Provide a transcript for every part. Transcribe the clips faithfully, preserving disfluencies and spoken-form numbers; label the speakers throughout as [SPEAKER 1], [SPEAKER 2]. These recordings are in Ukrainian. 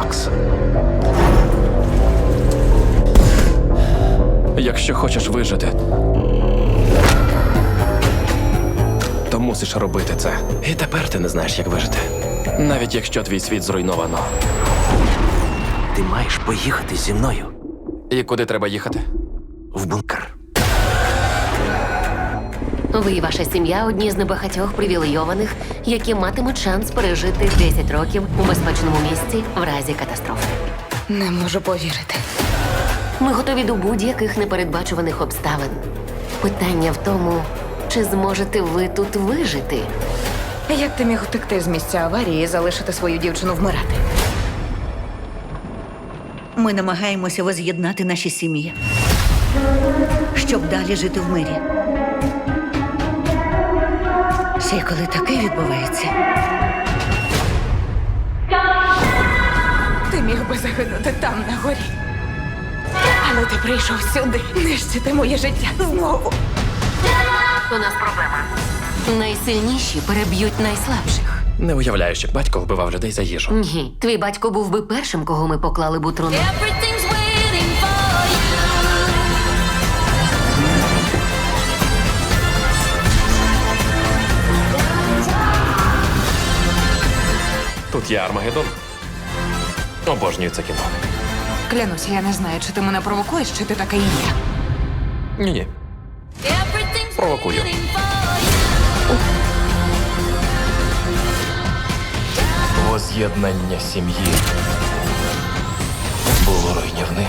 [SPEAKER 1] Макс. Якщо хочеш вижити, то мусиш робити це. І тепер ти не знаєш, як вижити. Навіть якщо твій світ зруйновано.
[SPEAKER 2] Ти маєш поїхати зі мною
[SPEAKER 1] І куди треба їхати?
[SPEAKER 2] в бункер.
[SPEAKER 3] Ви і ваша сім'я одні з небагатьох привілейованих, які матимуть шанс пережити десять років у безпечному місці в разі катастрофи.
[SPEAKER 4] Не можу повірити.
[SPEAKER 3] Ми готові до будь-яких непередбачуваних обставин. Питання в тому, чи зможете ви тут вижити?
[SPEAKER 4] Як ти міг утекти з місця аварії і залишити свою дівчину вмирати?
[SPEAKER 5] Ми намагаємося воз'єднати наші сім'ї, щоб далі жити в мирі. Ще й коли таке відбувається,
[SPEAKER 4] Ти міг би загинути там, на горі. Але ти прийшов сюди нищити моє життя знову.
[SPEAKER 3] У нас проблема. Найсильніші переб'ють найслабших.
[SPEAKER 1] Не уявляєш, як батько вбивав людей за їжу.
[SPEAKER 3] Ні, твій батько був би першим, кого ми поклали б у труну.
[SPEAKER 6] Everything's waiting for you.
[SPEAKER 1] Тут є Армагеддон. Обожнюю це кіно.
[SPEAKER 4] Клянусь, я не знаю, чи ти мене провокуєш, чи ти така і є.
[SPEAKER 1] Ні-ні.
[SPEAKER 6] Everything's
[SPEAKER 1] Провокую.
[SPEAKER 6] waiting for you.
[SPEAKER 1] Воз'єднання сім'ї було руйнівним.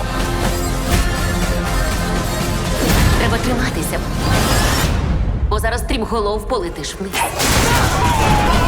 [SPEAKER 3] Треба триматися. Бо зараз стрімголов полетиш вниз.